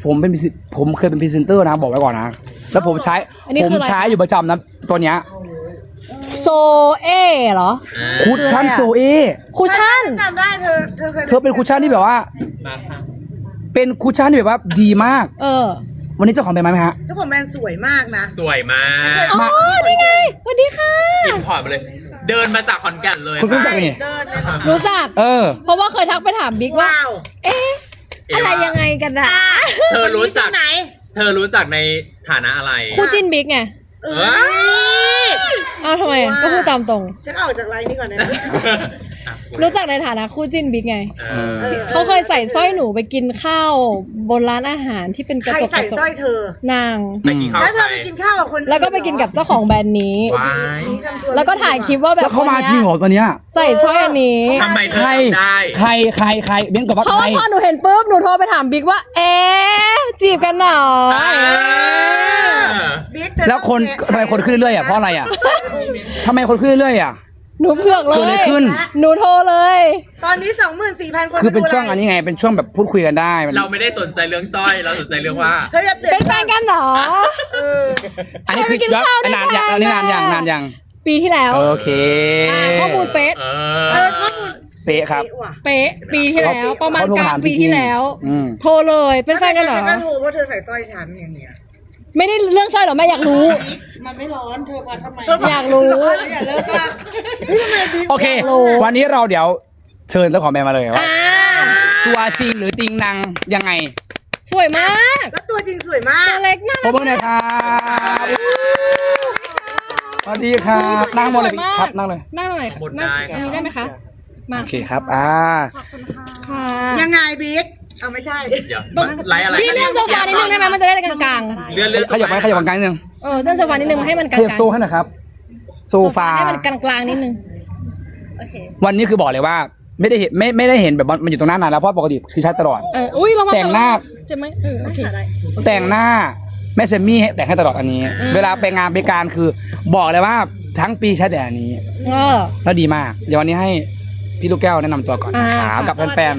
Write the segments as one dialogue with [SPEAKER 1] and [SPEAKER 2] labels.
[SPEAKER 1] ผมเคยเป็นพรีเซนเตอร์นะบอกไว้ก่อนนะแล้วผมใช้อยู่ประจำนะตัวเนี้ย
[SPEAKER 2] โซเอเหรอ
[SPEAKER 1] คุชชั่นโซเอ
[SPEAKER 2] คุชชั่น
[SPEAKER 3] จำได้เธอเคย
[SPEAKER 1] เป็นคุชชั่นที่แบบว่าเป็นคุชชั่นที่แบบว่าดีมากวันนี้เจ้าของแบรนด์มาไหมฮะ
[SPEAKER 3] เจ้าของแบรนด์สวยมากนะ
[SPEAKER 4] สวยมาก
[SPEAKER 2] อ๋อนี่ไงสวัสดีค่ะ
[SPEAKER 4] อินพอร์ตมาเลยเดินมาจากขอนแก่นเลย
[SPEAKER 1] คุณรู้จักนี่
[SPEAKER 2] รู้จักเพราะว่าเคยทักไปถามบิ๊กว่าเอ๊ะอะไรยังไงกันอะ
[SPEAKER 4] เธอรู้จักในฐานะอะไร
[SPEAKER 2] คู่จิ้นบิ๊กไงทำไมก็พูดตามตรง
[SPEAKER 3] ฉันออกจากไลน์นี้ก่อนนะ
[SPEAKER 2] รู้จักในฐานะคู่จิ้นบิ๊กไงเขาเคยใส่สร้อยหนูไปกินข้าวบนร้านอาหารที่เป็นกระจก
[SPEAKER 3] ใครใส่สร้อยเธอน
[SPEAKER 2] าง
[SPEAKER 3] แล้วเธอไปกินข้าวกับคน
[SPEAKER 2] แล้วก็ไปกินกับเจ้าของแบรนด์นี้แล้วก็ถ่ายคลิปว่าแบบ
[SPEAKER 1] เขามาจริงเหรอตัวเนี้ย
[SPEAKER 2] ใส่สร้อยอันนี้
[SPEAKER 4] ทำไมใคร
[SPEAKER 1] เบ้นกับว่า
[SPEAKER 2] เพราะว่าพอหนูเห็นปุ๊บหนูโทรไปถามบิ๊กว่าจีบกันหรอ
[SPEAKER 1] แล้วทำไมคนขึ้นเรื่อยๆเพราะอะไรทำไมคนขึ้นเรื่อย
[SPEAKER 2] หนูเผือกเลยหนูโทรเลย
[SPEAKER 3] ตอนนี้ 24,000 คน
[SPEAKER 1] คือเป็นช่วงอันนี้ไงเป็นช่วงแบบพูดคุยกันได้
[SPEAKER 4] เราไม่ได้สนใจเรื่องสร้อยเราสนใจเรื่องว่า
[SPEAKER 3] เธอจะ
[SPEAKER 2] เป็นแฟนกันหรอ
[SPEAKER 1] อันนี้คือนานยัง
[SPEAKER 2] ปีที่แล้ว
[SPEAKER 1] โอเค
[SPEAKER 2] ข้อมูลเป๊ะ
[SPEAKER 3] ข้อมูล
[SPEAKER 1] เป๊ะครับ
[SPEAKER 2] เป๊ะปีที่แล้วประมาณกลางปีที่แล้วโทรเลยเป็นแฟนกันหรอ
[SPEAKER 3] ฉันก็โทรเพราะเธอใส่สร้อยฉันอย่างเงี้ย
[SPEAKER 2] ไม่ได้เรื่องสร้อยหรอแม่อยากรู้
[SPEAKER 3] มันไม่ร้อนเธอมาทำไม
[SPEAKER 2] อยากรู้
[SPEAKER 3] อย่าเลิกละ
[SPEAKER 1] โอเควันนี้เราเดี๋ยวเชิญเจ้าของแบรนด์มาเลยว่าตัวจริงหรือติงนางยังไง
[SPEAKER 2] สวยมาก
[SPEAKER 3] แล้วตัวจริงสวยมาก
[SPEAKER 2] ตัวเล็กน่ารัก
[SPEAKER 1] ขอบคุณนะครับสวัสดีครับนั่งหมดเลยครับนั่งเลย
[SPEAKER 2] นั่งเลยนั่งได้ไหมคะมา
[SPEAKER 1] โอเคครับ
[SPEAKER 2] ค่ะ
[SPEAKER 3] ยังไงบิ๊กเอาไม่ใช่
[SPEAKER 4] ไลฟ์อะไร
[SPEAKER 2] พี่เลื่อนโซฟานิดนึงได้ไหมมันจะได้กลาง
[SPEAKER 4] ๆเลื่อน
[SPEAKER 1] ขยับไปกลางนิดนึง
[SPEAKER 2] เลื่อนโซฟานิดนึงให้มันกลาง
[SPEAKER 1] ขยับโซ่ให้หน่อยครับโซฟา
[SPEAKER 2] ให้มันกลางนิดนึง
[SPEAKER 1] วันนี้คือบอกเลยว่าไม่ได้เห็นแบบมันอยู่ตรงหน้านานแล้วเพราะปกติคือใช้ตลอดแต่งหน้า
[SPEAKER 2] จะไหม
[SPEAKER 1] แต่งหน้าแม่เซมมี่แต่งให้ตลอดอันนี้เวลาไปงานไปการคือบอกเลยว่าทั้งปีใช้แต่อันนี้แล้วดีมากเดี๋ยววันนี้ให้พี่ลูกแก้วแนะนำตัวก่อนนะครับกับแฟน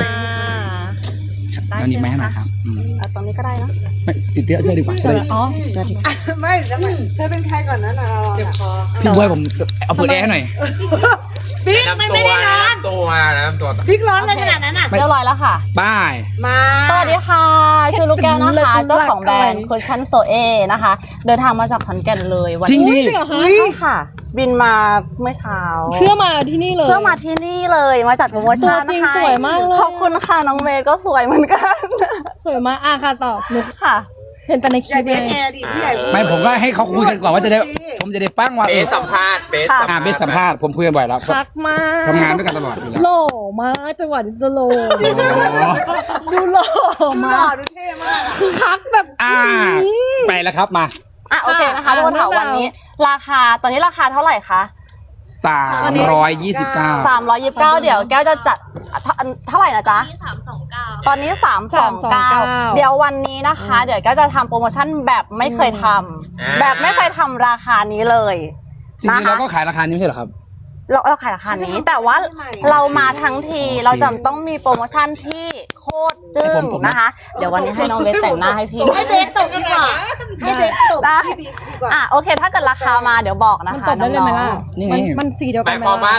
[SPEAKER 1] ตอนนี้ไม่ให้หน่อยครับ
[SPEAKER 2] ตอนนี้ก็ได้นะ
[SPEAKER 1] ไม่ติดเสื้อดีกว่า
[SPEAKER 3] ไม่แล้วเธอเป็นใครก่อนนะเจ็บคอ
[SPEAKER 1] พี่บวยผมเอาเปิดแอร์ให้หน่อย
[SPEAKER 3] บิ๊กไม่ได้ร้อน
[SPEAKER 4] ตัว
[SPEAKER 3] บิ๊กร้อนเลยขนาดนั้น
[SPEAKER 2] เรียบร้อยแล้วค่ะ
[SPEAKER 1] ป้าย
[SPEAKER 3] มา
[SPEAKER 2] สวัสดีค่ะชื่อลูกแก้วนะคะเจ้าของแบรนด์คุชชั่นโซเอนะคะเดินทางมาจากขอนแก่นเลย
[SPEAKER 1] วันนี้
[SPEAKER 2] จริงเหรอคะ
[SPEAKER 5] ใช่ค่ะบินมาเมื่อเช้า
[SPEAKER 2] เพื่อมาที่นี่เลย
[SPEAKER 5] มาจัดโปรโมชั่น
[SPEAKER 2] นะคะจริงสวยมากเลย
[SPEAKER 5] ขอบคุณค่ะน้องเมย์ก็สวยเหมือนกัน
[SPEAKER 2] สวยมากค่ะตอบหนู
[SPEAKER 5] ค่ะ
[SPEAKER 2] เห็นแต่ในคลิปเลย
[SPEAKER 1] ไม่ผมก็ให้เขาคุยกันก่อนว่าผมจะได้ฟังว่า
[SPEAKER 4] เบสสัมภาษณ์เบ
[SPEAKER 1] สสัมภาษณ์ผมคุยกันบ่อยแล้ว
[SPEAKER 2] คักมาก
[SPEAKER 1] ทำงานด้วยกันตลอดอยู่แล้ว
[SPEAKER 2] หล่อมากจังหวะนี้โลดูหล่อมาก
[SPEAKER 3] ดูเท่มาก
[SPEAKER 2] คือคักแบบ
[SPEAKER 1] ไปแล้วครับมา
[SPEAKER 5] โอเคนะคะทุกคนถามวันนี้ราคาตอนนี้ราคาเท่าไหร่คะ
[SPEAKER 1] 329
[SPEAKER 5] เดี๋ยวแก้วจะจัดเท่าไหร่นะจ๊ะตอนนี้329เดี๋ยววันนี้นะคะเดี๋ยวแก้วจะทำโปรโมชั่นแบบไม่เคยทำราคานี้เลย
[SPEAKER 1] จริงๆเราก็ขายราคานี้ไม่ใช่เหรอครับ
[SPEAKER 5] เราขายราคานี้แต่ว่าเรามาทั้งทีเราจำต้องมีโปรโมชั่นที่โคตรจึ้งนะคะเดี๋ยววันนี้ให้น้องเบสแต่งหน้าให้พี่
[SPEAKER 3] ให้เบสตกดีกว่าให้เบสตก
[SPEAKER 5] ได้โอเคถ้าเกิดราคามาเดี๋ยวบอกนะคะน้อง
[SPEAKER 2] ๆมันสีเดียวกัน
[SPEAKER 4] หมายความว่า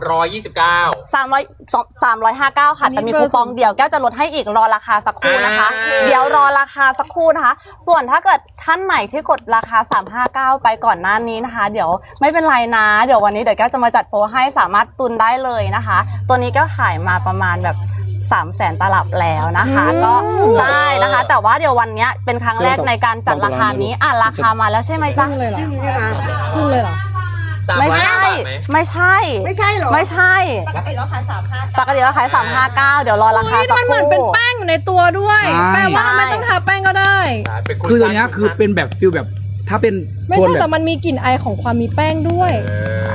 [SPEAKER 5] 359ค่ะแต่มีคูปองเดียวแก้วจะลดให้อีกรอราคาสักครู่นะคะเดี๋ยวรอราคาสักครู่นะคะส่วนถ้าเกิดท่านไหนที่กดราคา359ไปก่อนหน้านี้นะคะเดี๋ยวไม่เป็นไรนะเดี๋ยววันนี้เดี๋ยวแก้วจะมาจัดโปรให้สามารถตุนได้เลยนะคะตัวนี้ก็ขายมาประมาณแบบ300,000 ตลับแล้วนะคะก็ได้นะคะแต่ว่าเดี๋ยววันนี้เป็นครั้งแรกในการจัดราคานี้ราคามาแล้วใช่ไหมจ๊ะ
[SPEAKER 3] จึ้งใช่ไหม
[SPEAKER 2] จึ้งเลยเหรอ
[SPEAKER 5] ไม่ใช่
[SPEAKER 3] หรอ
[SPEAKER 5] ไม่ใช่ปกติเราขาย359เดี๋ยวรอราคาสักครู่
[SPEAKER 2] มันเหมือนเป็นแป้งอยู่ในตัวด้วยแปลว่าไม่ต้องทาแป้งก็ได้
[SPEAKER 1] คือตัวนี้คือเป็นแบบฟิลแบบถ้าเป็น
[SPEAKER 2] ไม่ใช่แต่มันมีกลิ่นไอของความมีแป้งด้วย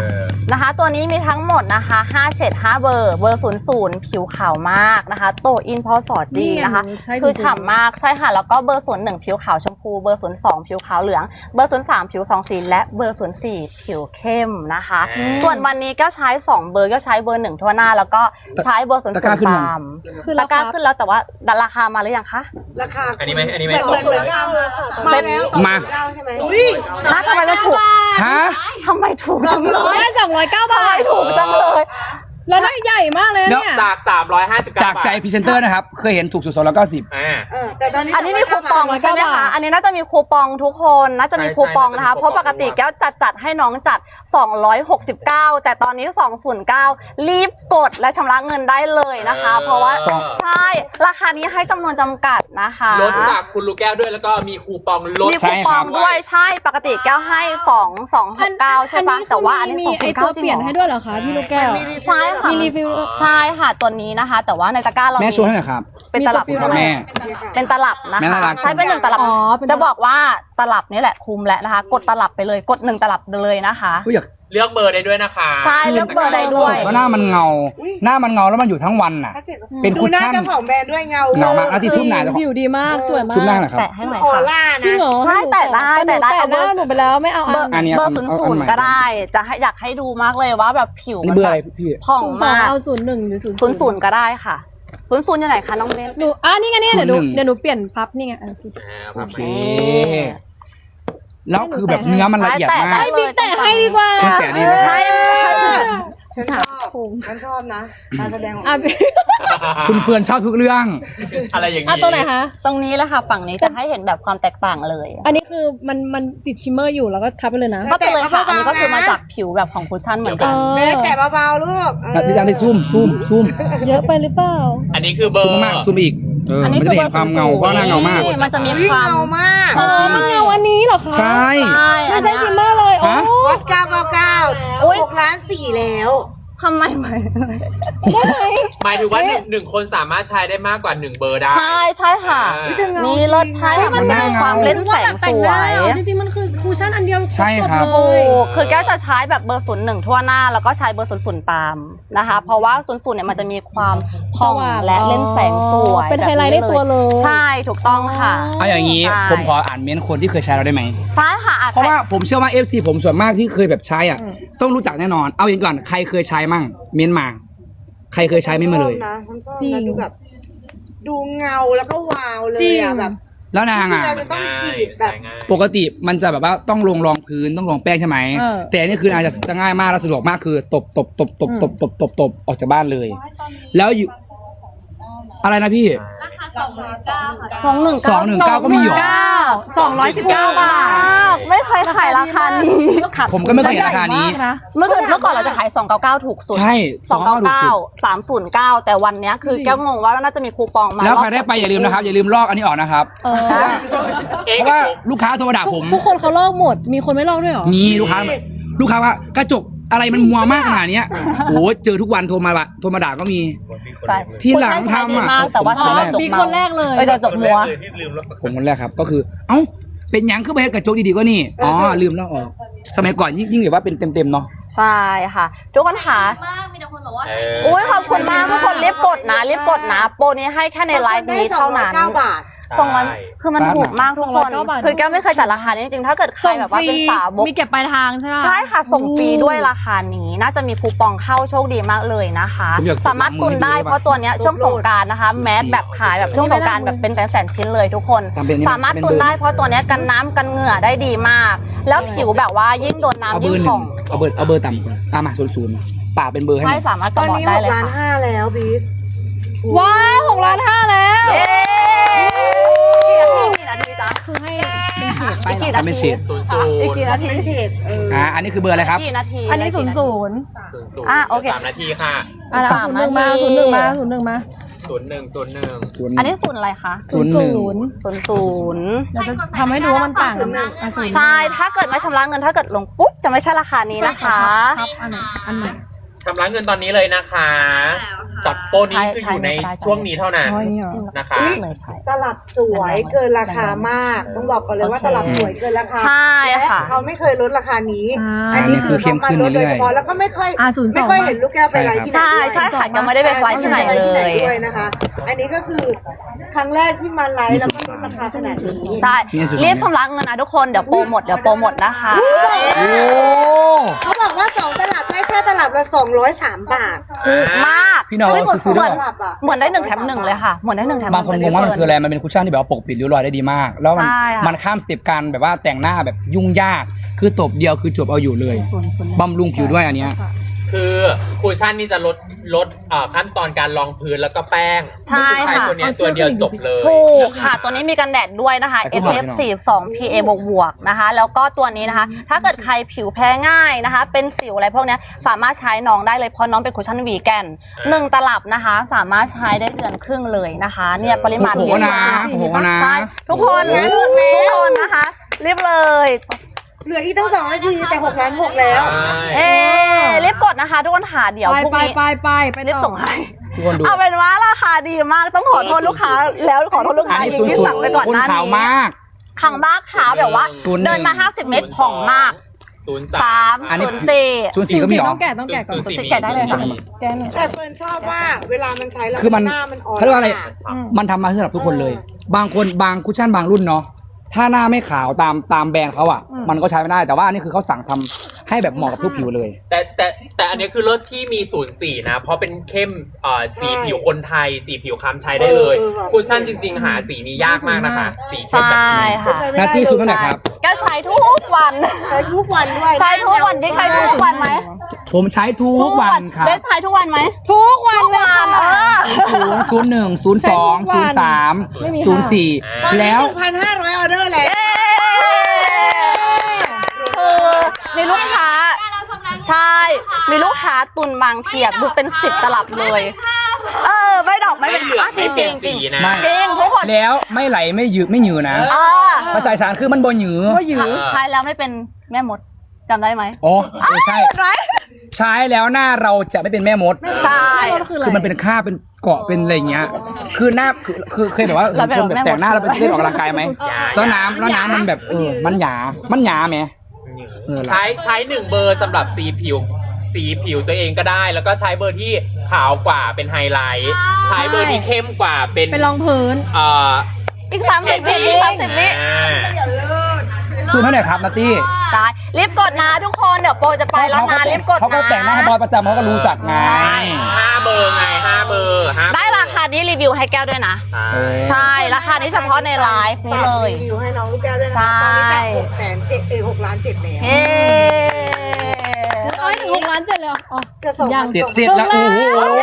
[SPEAKER 5] นะคะ ตัวนี้มีทั้งหมดนะคะ5เฉด5เบอร์00ผิวขาวมากนะคะโตอินพอสอดดีนะคะคือฉ่ำมากใช่ค่ะแล้วก็เบอร์01ผิวขาวชมพูเบอร์02ผิวขาวเหลืองเบอร์03ผิว2สีและเบอร์04ผิวเข้มนะคะส่วนวันนี้ก็ใช้2เบอร์ก็ใช้เบอร์1ทั่วหน้าแล้วก็ใช้เบอร์00ตามตะกร้าขึ้นแล้วแต่ว่าราคามาหรือยังคะ
[SPEAKER 3] ราคา
[SPEAKER 4] อันนี้ไหมอันนี้ไหม
[SPEAKER 3] เหมือนมาแล้ว
[SPEAKER 1] มา
[SPEAKER 3] ใช่ไหม
[SPEAKER 5] ฮะทำไมไม่ถูก
[SPEAKER 1] ฮะ
[SPEAKER 5] ทำไมถูกจังเลย
[SPEAKER 2] ได้209 บาท
[SPEAKER 5] ถูกจังเลย
[SPEAKER 2] แล้วได้ใหญ่มากเลยเนี่ย
[SPEAKER 4] จาก359
[SPEAKER 1] จากใจพรีเซนเตอร์นะครับ เคยเห็นถูกสุด290
[SPEAKER 3] แต่ตอนนี้
[SPEAKER 5] อันนี้มีคูปองใช่ไหมคะ อันนี้น่าจะมีคูปองทุกคน น่าจะมีคูปองนะคะ เพราะปกติแก้วจัดให้น้องจัด 269 แต่ตอนนี้ 209 รีบกดและชำระเงินได้เลยนะคะ เพราะว่าใช่ ราคานี้ให้จำนวนจำกัดนะคะ
[SPEAKER 4] ลดจากคุณลูกแก้วด้วยแล้วก็มีคูปองลด
[SPEAKER 5] มีคูปองด้วยใช่ ปกติแก้วให้269ใช่ปะแต่ว่าอันนี้
[SPEAKER 2] มีไอตัว
[SPEAKER 5] 209จริ
[SPEAKER 2] เปลี่ย
[SPEAKER 5] ง
[SPEAKER 2] น
[SPEAKER 5] เหร
[SPEAKER 2] ให้
[SPEAKER 5] อ
[SPEAKER 2] ด้วยเหรอคะพี่ลูกแก้ว
[SPEAKER 5] ใช่ค่ะ
[SPEAKER 2] มีรีวิว
[SPEAKER 5] ใช่ค่ะตัวนี้นะคะ แต่ว่าในตะกร้าเรา
[SPEAKER 1] แม่โชว์ให้หน่อยครับ
[SPEAKER 5] เป็นตลับใช่ไหม
[SPEAKER 1] แม่
[SPEAKER 5] เป็นตลับนะ
[SPEAKER 1] แม่
[SPEAKER 5] คะ
[SPEAKER 1] น่ารัก
[SPEAKER 5] ใช้เป็น1ตลับ
[SPEAKER 2] อ๋อเป็นตลับ
[SPEAKER 5] จะบอกว่าตลับนี่แหละคุมแล้วนะคะ กดตลับไปเลยกด1ตลับเลยนะคะ
[SPEAKER 1] ก็อยาก
[SPEAKER 4] เลือกเบอร์ได้ด้วยนะคะ
[SPEAKER 5] ใช่เลือกเบอร์ใดด้วย
[SPEAKER 1] ว่าหน้ามันเงา หน้ามันเงาแล้วมันอยู่ทั้งวันน่ะ เป็น
[SPEAKER 3] ดู
[SPEAKER 1] คุช
[SPEAKER 3] หน้า
[SPEAKER 1] ชั่น
[SPEAKER 3] เจ้าของแบรนด์ด้วยเงา
[SPEAKER 1] เงามากเอาที่ซุ่มหนาเจ้าของ
[SPEAKER 2] ผิวดีมากสวยมาก
[SPEAKER 1] ซุ่มหน้าหน่อยครับ
[SPEAKER 5] แตะให้หน่อย
[SPEAKER 3] ออ
[SPEAKER 5] ค่ะ
[SPEAKER 3] ร่า
[SPEAKER 2] จริง
[SPEAKER 3] นะ
[SPEAKER 2] เหรอ
[SPEAKER 5] ใช่แต่ได้
[SPEAKER 2] แต่หน้าหนูไปแล้วไม่เอา
[SPEAKER 5] เบอร์
[SPEAKER 1] อันนี้
[SPEAKER 5] เบอร์
[SPEAKER 1] เอา
[SPEAKER 5] 00
[SPEAKER 1] อันใหม่
[SPEAKER 5] ก็ได้จะให้อยากให้ดูมากเลยว่าแบบผิว
[SPEAKER 1] นี่
[SPEAKER 5] มัน
[SPEAKER 1] เบอร์
[SPEAKER 5] แบ
[SPEAKER 1] อะไร
[SPEAKER 5] บ
[SPEAKER 1] พี่
[SPEAKER 5] ผ่อง
[SPEAKER 2] สอง
[SPEAKER 5] มาก
[SPEAKER 2] เอา01หรือ
[SPEAKER 5] 00ก็ได้ค่ะ00อยู่ไหนคะน้องเบน
[SPEAKER 2] หนูนี่ไงเนี่ยเดี๋ยวหนูเปลี่ยนพับนี่ไง
[SPEAKER 1] โอเค แล้วคือแบบเนื้อมันละเอียดมาก
[SPEAKER 2] ให้บิ๊กแต่ให้ดีกว่า
[SPEAKER 1] คุณแกะนี่นะ
[SPEAKER 5] ให้
[SPEAKER 3] ฉันชอบฉันชอบนะการแสดงของ
[SPEAKER 2] อ่ะ
[SPEAKER 1] คุณเฟื่อนชอบทุกเรื่อง
[SPEAKER 4] อะไรอย่างนี้
[SPEAKER 2] อ่ะตัวไหนคะ
[SPEAKER 5] ตรงนี้แหละค่ะฝั่งนี้จะให้เห็นแบบความแตกต่างเลย
[SPEAKER 2] อันนี้คือมันติดชิมเมอร์อยู่แล้วก็ทับไปเลยนะ
[SPEAKER 5] ก็ไปเลยค่ะอันนี้ก็คือมาจากผิวแบบของคุชชั่นเหมือนกัน
[SPEAKER 3] แม่แต่เบาๆลูก
[SPEAKER 1] ดิฉันได้ซุ่ม
[SPEAKER 2] เยอะไปหรือเปล่า
[SPEAKER 4] อันนี้คือเบอ
[SPEAKER 1] ซุ่ม
[SPEAKER 4] ร์
[SPEAKER 1] มากซุ่มอีก
[SPEAKER 5] อันนี้
[SPEAKER 1] มันจะเห็นความเงาเพราะหน้าเงามาก
[SPEAKER 5] มันจะมี
[SPEAKER 3] วิ่ง
[SPEAKER 5] ความ
[SPEAKER 3] เงามาก
[SPEAKER 2] อ๋อมันเงาอันนี้เหรอคะ
[SPEAKER 1] ใช่
[SPEAKER 2] ไม่ใช่ชิมเมอร์เลยโอ้
[SPEAKER 1] ฮะ
[SPEAKER 3] วัด999 6,400,000แล้ว
[SPEAKER 5] ทำไมไหม
[SPEAKER 4] หมายถึงว่าหนึ่งคนสามารถใช้ได้มากกว่า1เบอร์ได้
[SPEAKER 5] ใช่ค่ะ นี่รสชาติมันจะมีความเล่นแสงสวย
[SPEAKER 2] จริงๆมันคือคูชั่นอันเดียว
[SPEAKER 1] ใช่ครับ
[SPEAKER 2] จเล
[SPEAKER 5] ถู
[SPEAKER 2] ย
[SPEAKER 5] กคือแก้วจะใช้แบบเบอร์01ทั่วหน้าแล้วก็ใช้เบอร์00ตามนะคะ เพราะว่า00เนี่ยมันจะมีความผ่องและเล่นแสงสวย
[SPEAKER 2] เป็นไฮไลท์ในตัวเลย
[SPEAKER 5] ใช่ถูกต้องค่ะ
[SPEAKER 1] เอาอย่างนี้
[SPEAKER 5] ใช่
[SPEAKER 1] ผมขออ่านเม้นต์คนที่เคยใช้เราได้ไหม
[SPEAKER 5] ใช่ค่ะ
[SPEAKER 1] เพราะว่าผมเชื่อว่า FC ผมส่วนมากที่เคยแบบใช้อ่ะ ต้องรู้จักแน่นอน เอาอย่างก่อนใครเคยใช้มั่งเม้นต์มา ใครเคยใช้ไม่มาเลย
[SPEAKER 3] ฉันชอบ
[SPEAKER 2] จริ
[SPEAKER 3] นะ
[SPEAKER 2] ง
[SPEAKER 3] ดูแบบ ดูเงาแล้วก็วาวเลย
[SPEAKER 2] จริง
[SPEAKER 3] อ่ะแบบ
[SPEAKER 1] แล้วนางอ่ะ
[SPEAKER 3] ที่เราจะต้องฉีดแบบ
[SPEAKER 4] ใช้ง่าย
[SPEAKER 1] ปกติมันจะแบบว่าต้องลงรองพื้นต้องลงแป้งใช่ไหม
[SPEAKER 2] เออ
[SPEAKER 1] แต่อันนี่คืออาจจะง่ายมากและสะดวกมากคือตบออกจากบ้านเลย แล้วอยู่อะไรนะพี่ 219ก็มีอยู่
[SPEAKER 2] 219 บาท
[SPEAKER 5] ไม่เคยขายราคานี้
[SPEAKER 1] ผมก็ไม่เคยเห็นราคานี้
[SPEAKER 5] เมื่อก่อนเราจะขาย299ถูกสุด
[SPEAKER 1] ใช่299
[SPEAKER 5] 299 309 แต่วันเนี้ยคือแก้วงงว่าน่าจะมีคูปองมา
[SPEAKER 1] แล้วใครได้ไปอย่าลืมนะครับ อย่าลืมลอกอันนี้ออกนะครับ
[SPEAKER 2] เออ
[SPEAKER 1] เพราะว่าลูกค้าโทรมาด่าผม
[SPEAKER 2] ทุกคนเขาลอกหมด มีคนไม่ลอกด้วยเหรอ
[SPEAKER 1] มีลูกค้าว่ากระจกอะไรมันมัวมากขนาดเนี้ยโอ้เจอทุกวันโทรมาด่าก็มี
[SPEAKER 5] ใช่
[SPEAKER 1] ที่หลังทำ
[SPEAKER 5] ดี
[SPEAKER 1] อ่ะ
[SPEAKER 5] มากแต่ว่า
[SPEAKER 1] ผม
[SPEAKER 5] ทำให้จบ
[SPEAKER 2] มี
[SPEAKER 5] เมา
[SPEAKER 2] คนแรกเลย
[SPEAKER 5] จะจบมัว
[SPEAKER 1] ผมคนแรกครับก็คือ เอ้าเป็นหยังขึ้นไปเฮ็ดกระจกดีๆก็นี่อ๋อลืมลอกออกสมัยก่อนยิ่งแบบว่าเป็นเต็มๆเนาะ
[SPEAKER 5] ใช่ค่ะ ทุกคนค่ะ
[SPEAKER 6] มากมีแต่คนบอกว่า
[SPEAKER 5] อุ้ยขอบคุณมากทุกคนรีบกดนะโปรนี้ให้แค่ในไลฟ์นี้เท่านั้น
[SPEAKER 3] 209 บาท
[SPEAKER 5] 200คือมันถูกมากทุกคน
[SPEAKER 2] 209 บาท
[SPEAKER 5] คือแก้วไม่เคยจัดราคานี้จริงๆถ้าเกิดใครแบบว่าเป็นสาวก
[SPEAKER 2] มีเก็บปลายทางใช่ไหม
[SPEAKER 5] ใช่ค่ะส่งฟรีด้วยราคานี้น่าจะมีคูปองเข้าโชคดีมากเลยนะคะ
[SPEAKER 1] ผมอยาก
[SPEAKER 5] สามารถตุนได้เพราะตัวเนี้ยช่วงสงกรานต์นะคะแมสแบบขายแบบช่วงสงกรานต์แบบเป็นแสนๆชิ้นเลยทุกคน
[SPEAKER 1] ทำเป็นนี่
[SPEAKER 5] สามารถตุนได้เพราะตัวเนี้ยกันน้ำกันเหงื่อได้ดีมาก แล้วผิวแบบว่ายิ่งโดน
[SPEAKER 1] เอา
[SPEAKER 5] น้ำ
[SPEAKER 1] เบ
[SPEAKER 5] ยิ่
[SPEAKER 1] อง ร์ห
[SPEAKER 5] ผ่
[SPEAKER 1] นึ่
[SPEAKER 5] อง ง
[SPEAKER 1] เอาเบอร์ต่ำก่อนมา00ป่าเป็นเบอร์ให้
[SPEAKER 5] ใช่
[SPEAKER 1] หน่อย
[SPEAKER 5] สามารถ
[SPEAKER 3] ต
[SPEAKER 5] ก
[SPEAKER 3] อ
[SPEAKER 5] ระ
[SPEAKER 3] น
[SPEAKER 5] บอก
[SPEAKER 3] นี้
[SPEAKER 5] ได้เลย
[SPEAKER 3] 6,500,000
[SPEAKER 5] ค่ะ
[SPEAKER 3] แล้วบิ๊ก
[SPEAKER 2] ว้าว6,500,000แล้ว
[SPEAKER 5] เย้
[SPEAKER 2] คือให้เป็นเฉดไป
[SPEAKER 5] กี่
[SPEAKER 2] เหรอ
[SPEAKER 5] นา
[SPEAKER 1] ทำเป็น
[SPEAKER 5] ที
[SPEAKER 1] เฉด
[SPEAKER 5] อีกกี่นาที
[SPEAKER 3] เป็นเฉด
[SPEAKER 1] อันนี้คือเบอร์อะไรครับ
[SPEAKER 5] กี่นาที
[SPEAKER 2] อันนี้00
[SPEAKER 5] โอเค
[SPEAKER 4] 3 นาทีค่ะ
[SPEAKER 2] อ่ะ
[SPEAKER 5] สาม
[SPEAKER 2] 01มา
[SPEAKER 5] นาที
[SPEAKER 2] 01มา01มา
[SPEAKER 4] 01
[SPEAKER 5] อันนี้ศูนย์อะไรคะ
[SPEAKER 1] 01
[SPEAKER 5] 00
[SPEAKER 2] เดี๋ยวจะทำให้ดูว่ามันต่างกัน
[SPEAKER 5] ใช่ถ้าเกิดไม่ชำระเงินถ้าเกิดลงปุ๊บจะไม่ใช่ราคานี้นะคะ
[SPEAKER 2] ครับอันไหน
[SPEAKER 4] ชำระเงินตอนนี้เลยนะคะสับโปรนี้คืออยู่ในช่วงนี้เท่านั้น
[SPEAKER 2] อ๋ออย่างนี้เหรอ
[SPEAKER 4] นะคะ
[SPEAKER 5] เลยใช่
[SPEAKER 3] ตลับสวยเกินราคามาก ต้องบอกก่อนเลยว่าตลับสวยเกินราคา
[SPEAKER 5] ใช่ค่ะ
[SPEAKER 3] และเขาไม่เคยลดราคานี้
[SPEAKER 2] อ่า
[SPEAKER 3] อันนี้คือเขามาลดโดยเฉพาะแล้วก็ไม่ค่อย
[SPEAKER 2] 02
[SPEAKER 3] ไม่ค่อยเห็นลูกแก้วไปไลฟ์ที่ไหน
[SPEAKER 5] ใช่
[SPEAKER 3] ด้วย
[SPEAKER 5] ใช่ค่ะยังไม่ได้ไปไฟล์ที่ไหนเลย
[SPEAKER 3] ด้วยนะคะ อันนี้ก็คือครั้งแรกที่มาไลฟ์แล้วก็ลดราคาขนาดนี้
[SPEAKER 5] ใช่รีบชำระเงินนะทุกคนเดี๋ยวโปรหมดนะคะ
[SPEAKER 1] โอ้
[SPEAKER 3] เขาบอกว่า2ตลับได้แค่ตลับละ203 บาท
[SPEAKER 5] ถูกมาก
[SPEAKER 1] พี่น้อง
[SPEAKER 3] ไม่หมด
[SPEAKER 1] ซื้อ
[SPEAKER 3] 2
[SPEAKER 1] ด้วย
[SPEAKER 3] ตลับอ่ะ
[SPEAKER 5] เหมือนได้1 แถม 1เลยค่ะเหมือนได้1 แถม 1
[SPEAKER 1] บางคนงงว่ามันคืออะไรมันเป็นคุชชั่นที่แบบว่าปกปิดริ้วรอยได้ดีมาก แล้วมัน
[SPEAKER 5] ใช่ค่ะ
[SPEAKER 1] มันข้ามสเต็ปการแบบว่าแต่งหน้าแบบยุ่งยาก คือตบเดียวคือจบเอาอยู่เลยบำรุงผิวด้วยอันเนี้ย
[SPEAKER 4] คือคูชั่นนี่จะลดขั้นตอนการรองพื้นแล้วก็แป้ง
[SPEAKER 5] ใช่
[SPEAKER 4] ใช้
[SPEAKER 5] ค่ะ
[SPEAKER 4] ตัวเนี้ยตัวเดียวจบเลย
[SPEAKER 5] ถูกค่ะตัวนี้มีกันแดดด้วยนะคะ
[SPEAKER 1] แต่ก็
[SPEAKER 5] SPF 42 PA บวกนะคะ แล้วก็ตัวนี้นะคะ ถ้าเกิดใครผิวแพ้ง่ายนะคะ เป็นสิวอะไรพวกเนี้ยสามารถใช้น้องได้เลยเพราะน้องเป็นคุชชั่นวีแกน1 ตลับนะคะ สามารถใช้ได้เดือนครึ่งเลยนะคะ เนี่ยปริมาณ
[SPEAKER 1] โอ้โหนะโอ้โหนะ
[SPEAKER 5] ใช่ทุกคนนะคะรีบเลย
[SPEAKER 3] เหลืออีกตั้ง2 นาทีแต่6 ล้าน 6แล้ว
[SPEAKER 5] เอ๊รีบกดนะคะทุกคนหาเดี๋ยว
[SPEAKER 2] ไป
[SPEAKER 5] พรุ่ง
[SPEAKER 2] ไป
[SPEAKER 5] นี้
[SPEAKER 2] ไป
[SPEAKER 5] รีบ
[SPEAKER 2] ต่อ
[SPEAKER 5] ส่งให้
[SPEAKER 1] ทุกคนดู
[SPEAKER 5] เอาเป็นว่าราคาดีมากต้องขอโทษลูกค้าแล้วขอโทษลูก
[SPEAKER 1] อัน
[SPEAKER 5] ค้า
[SPEAKER 1] นี้
[SPEAKER 5] อีก
[SPEAKER 1] ศูนย์
[SPEAKER 5] ที่
[SPEAKER 1] ศูน
[SPEAKER 5] สั่ง
[SPEAKER 1] ย์
[SPEAKER 5] ไปก่อน
[SPEAKER 1] คน
[SPEAKER 5] หน้า
[SPEAKER 1] ขาว
[SPEAKER 5] นี้
[SPEAKER 1] มาก
[SPEAKER 5] ขังมากขาวแบบว่า
[SPEAKER 1] 01
[SPEAKER 5] เดินมา 50 เมตรผ่องมาก
[SPEAKER 4] 03
[SPEAKER 1] อันนี้
[SPEAKER 5] 3
[SPEAKER 1] 04ก็มีเหรอ
[SPEAKER 2] ต้องแกะต้องแกะก่อน
[SPEAKER 4] 04
[SPEAKER 5] แกะได้เลยค่ะ
[SPEAKER 2] แกะหน่อย
[SPEAKER 3] แต่เฟิร์นชอบว่าเวลามันใช้แล้ว
[SPEAKER 1] คือมัน
[SPEAKER 3] หน้ามันอ่อน
[SPEAKER 1] เขาเรียกว่าอะไร
[SPEAKER 3] ค่
[SPEAKER 1] มันทำมาสำหรับทุกคนเลย บางคนบางคุชชั่นบางรุ่นเนาะถ้าหน้าไม่ขาวตามแบรนด์เขาอ่ะ มันก็ใช้ไม่ได้แต่ว่าอันนี้คือเขาสั่งทำให้แบบเหมาะกับทุกผิวเลย
[SPEAKER 4] แต่อันนี้คือรถที่มี04นะเพราะเป็นเข้มสีผิวคนไทยสีผิวคล้ำใช้ได้เลยคูชั่นจริง ๆ หาสีนี้ยากมากนะคะสีเข้ม
[SPEAKER 5] ใช่
[SPEAKER 4] แบบนี้
[SPEAKER 5] ค่ะ
[SPEAKER 1] หน้าที่สุดเท่าไหร่ครับ
[SPEAKER 5] แกใช้ทุกวัน
[SPEAKER 3] ใช้ทุกวันด้วย
[SPEAKER 5] ใช้ทุกวันได้ใช้ทุกวันไหม
[SPEAKER 1] ผมใช้ทุกวันครับ
[SPEAKER 5] ได้ใช้ทุกวันไหม
[SPEAKER 2] ทุกวันเลย
[SPEAKER 5] เอ
[SPEAKER 2] ค่ะ
[SPEAKER 5] อ
[SPEAKER 1] 01 02 03
[SPEAKER 2] ไม่มี
[SPEAKER 3] ตอน
[SPEAKER 1] 04
[SPEAKER 3] นี้
[SPEAKER 1] แล้ว
[SPEAKER 3] 1,500 ออเดอร์แล้ว
[SPEAKER 5] คือมีลูกค้าใช่มีลูกค้าตุนบางเทียบดูเป็น 10 ตลับเลยไม่ดอกไม่เป็น
[SPEAKER 4] ไม่เหลือง
[SPEAKER 5] จริง
[SPEAKER 4] ไม่
[SPEAKER 5] จ
[SPEAKER 4] เปลี่
[SPEAKER 5] ริ
[SPEAKER 4] ย
[SPEAKER 5] ง
[SPEAKER 4] น
[SPEAKER 5] จริง
[SPEAKER 4] สีนะ
[SPEAKER 1] ไม่
[SPEAKER 5] จริงทุกคน
[SPEAKER 1] แล้วไม่ไหลไม่หยืดไม่หยืดนะ ภาษาอีสานคือมันบ่หยืด
[SPEAKER 2] ก็ยื้อ
[SPEAKER 5] ใช้แล้วไม่เป็นแม่มดจำได้ไหม
[SPEAKER 1] อ๋อใช่
[SPEAKER 5] ไร
[SPEAKER 1] ใช้แล้วหน้าเราจะไม่เป็นแม่มด
[SPEAKER 5] ใช่
[SPEAKER 1] คือมันเป็นค่าเป็นเกาะเป็นอะไรอย่างเงี้ย คือหน้าคือเคยแบบว่า
[SPEAKER 5] เราเป็น
[SPEAKER 1] คนแบบแต่งหน้าแล้วไปเล่นออกกำลังกายไหม แล้วน้ำมันแบบมันหยาไหม
[SPEAKER 4] ใช้1 เบอร์สำหรับสีผิวตัวเองก็ได้ แล้วก็ใช้เบอร์ที่ขาวกว่าเป็นไฮไลท์ใช้เบอร์ที่เข้มกว่าเป็น
[SPEAKER 2] เป็นรองพื้น
[SPEAKER 5] อีก30 วิ30 วิ
[SPEAKER 1] ซูมให้หน่อยครับนัตตี้
[SPEAKER 5] ใช่รีบกดนะทุกคนเดี๋ยวโปรจะไปแล้วนะรีบกดนะ
[SPEAKER 1] เขาก็แต่งหน้าให้บอยประจำเขาก็รู้จักไง
[SPEAKER 4] 5 เบอร์ไง5 เบอร์5
[SPEAKER 5] ได้ราคานี้รีวิวให้แก้วด้วยนะ ใช่ราคานี้เฉพาะในไลฟ์นี้เลย
[SPEAKER 3] ฝากรีวิวให้น้องลูกแก้วด้วยนะคะ
[SPEAKER 5] ใช่
[SPEAKER 3] ตอนนี้จาก6 ล้าน 7แล้ว
[SPEAKER 5] เฮ้
[SPEAKER 2] โอ้ยถึง6 ล้าน 7เลยเหรออ๋อ
[SPEAKER 3] จะส่ง
[SPEAKER 2] ยัง
[SPEAKER 1] เจ็ดแล้วโอ้โห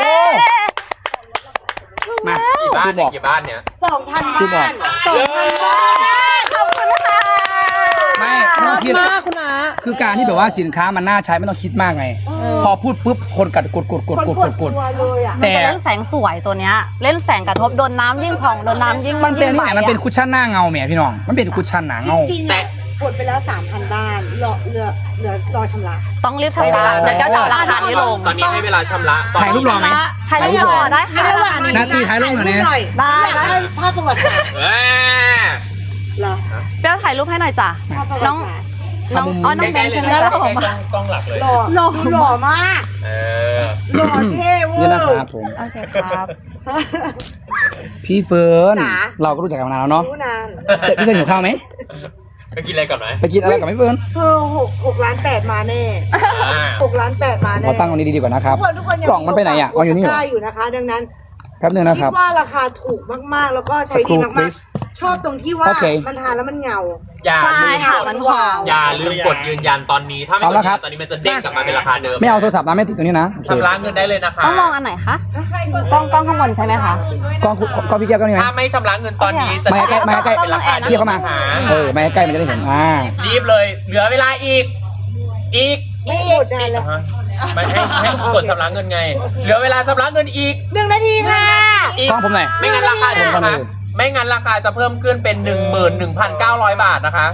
[SPEAKER 1] มา
[SPEAKER 4] กี่บ้านเนี่ย
[SPEAKER 3] 2,000
[SPEAKER 1] ซื้อบอก
[SPEAKER 3] บ้าน
[SPEAKER 2] 2,000 บาท
[SPEAKER 5] ขอบคุณนะคะ
[SPEAKER 1] ไม่
[SPEAKER 2] น่า
[SPEAKER 1] ต้องคิด
[SPEAKER 2] มากคุณอา
[SPEAKER 1] คือการที่แบบว่าสินค้ามันน่าใช้ไม่ต้องคิดมากไง พอพูดปุ๊บคนกด
[SPEAKER 3] คนกดตัวเลยอ่ะ
[SPEAKER 5] มันจะเล่นแสงสวยตัวเนี้ย เล่นแสงกระทบโดนน้ำยิ่งผ่องโดนน้ำยิ่ง
[SPEAKER 1] มันเป็น
[SPEAKER 5] ยิ่ง
[SPEAKER 1] ที่ไหนมันเป็นคุชชั่นหน้าเงาแหมพี่น้อง มันเป็นคุชชั่นหนา
[SPEAKER 3] จ
[SPEAKER 1] เงา
[SPEAKER 3] ริงๆอ่ะกดไปแล้ว 3,000 บ้านรอชำระ
[SPEAKER 5] ต้องรีบชำระเดี๋ยวแก้วจะเอาราคานี้ลง
[SPEAKER 4] ตอนนี้ให้เวลาชำระ
[SPEAKER 1] ถ่ายรูปรอไหม
[SPEAKER 5] ถ่ายรูปรอได้ค่ะ
[SPEAKER 3] ระหว่าง
[SPEAKER 1] นาทีถ่ายรูปหน่อยเนี่ย
[SPEAKER 5] ได้
[SPEAKER 3] อยากได้ภาพประวัติศาสตร์
[SPEAKER 4] เอ้ย
[SPEAKER 3] เหรอ
[SPEAKER 5] แก้วถ่ายรูปให้หน่อยจ้ะ
[SPEAKER 3] ภาพประวั
[SPEAKER 5] น้อง
[SPEAKER 3] ติศาสตร์
[SPEAKER 5] น้องอ๋อน้องเบนใช่ไหม
[SPEAKER 4] ใกล้
[SPEAKER 5] จ๊ะ
[SPEAKER 4] ๆเลยนะกล้องหลักเลย
[SPEAKER 3] หล่อมาก
[SPEAKER 4] เออ
[SPEAKER 3] หล่อเท่เวอ
[SPEAKER 1] นี่
[SPEAKER 3] ร์
[SPEAKER 1] นะครับผม
[SPEAKER 5] โอเคครับ
[SPEAKER 1] พี่เฟิร์น
[SPEAKER 3] จ๋า
[SPEAKER 1] เราก็รู้จักกันมานานแล้วเนาะ
[SPEAKER 3] รู้นาน
[SPEAKER 1] พี่เฟิร์นหิวข้าวไหม
[SPEAKER 4] ไปกินอะไรก่อนไหม
[SPEAKER 1] ไปกินอะไรกับพี่เฟิร์น
[SPEAKER 3] เธอ6 ล้าน 8มาแน่6 ล้าน 8มาแน่
[SPEAKER 1] เราตั้งตรงนี้ดีกว่านะครับ
[SPEAKER 3] ทุกคนยัง
[SPEAKER 1] กล่องมันไปไหนอ่ะอ๋ออยู่นี่เหรอ
[SPEAKER 3] ได้อยู่นะคะ ดังนั้น
[SPEAKER 1] แป๊บนึงนะค
[SPEAKER 3] คิ
[SPEAKER 1] รั
[SPEAKER 3] ด
[SPEAKER 1] บ
[SPEAKER 3] ว่าราคาถูกมากๆ แล้วก็ใช้ดี
[SPEAKER 1] Screw
[SPEAKER 3] มาก
[SPEAKER 1] please
[SPEAKER 3] ๆ ชอบตรงที่ว่า
[SPEAKER 1] โอเค
[SPEAKER 3] มันทานแล้วมันเงา
[SPEAKER 4] อย่า
[SPEAKER 5] ใช่
[SPEAKER 4] ลืม
[SPEAKER 5] ค่ะมันผ่อง
[SPEAKER 4] อย่าลืมกดยืนยันตอนนี้ ถ้าไม่
[SPEAKER 1] เอา
[SPEAKER 4] กด
[SPEAKER 1] ละ
[SPEAKER 4] ยืน
[SPEAKER 1] ครั
[SPEAKER 4] ยั
[SPEAKER 1] บ
[SPEAKER 4] นตอนนี้มันจะเด้งกลับมาเป็นราคาเดิม
[SPEAKER 1] ไม่เอาโทรศัพท์นะไม่ติดตรงนี้นะโอเค
[SPEAKER 4] ชำระเงินได้เลยนะคะ
[SPEAKER 5] ต้องมองอันไหนคะกล้องข้างบนใช่ไหมคะ
[SPEAKER 1] กล้องพี่แก้วก็นี่ไหม
[SPEAKER 4] ถ้าไม่ชำระเงินตอนนี้จะ
[SPEAKER 1] มาใกล้มาใกล้
[SPEAKER 4] เป็นราคา
[SPEAKER 1] พี่เข้ามา
[SPEAKER 4] หา
[SPEAKER 1] มาใกล้มันจะได้เห็น
[SPEAKER 4] รีบเลย เหลือเวลาอีก
[SPEAKER 3] ไม่หมดนานเลย
[SPEAKER 4] ไม่ให้กดชำระเงินไง เหลือเวลาชำระเงินอีก
[SPEAKER 3] 1 นาทีค่ะ
[SPEAKER 4] อีก
[SPEAKER 1] กล้องผมหน่อย
[SPEAKER 4] ไม่งั้นราคาจะ
[SPEAKER 1] ผมก่อนเลย
[SPEAKER 4] ไม่งั้นราคาจะเพิ่มขึ้นเป็น 11,900 บาทนะคะ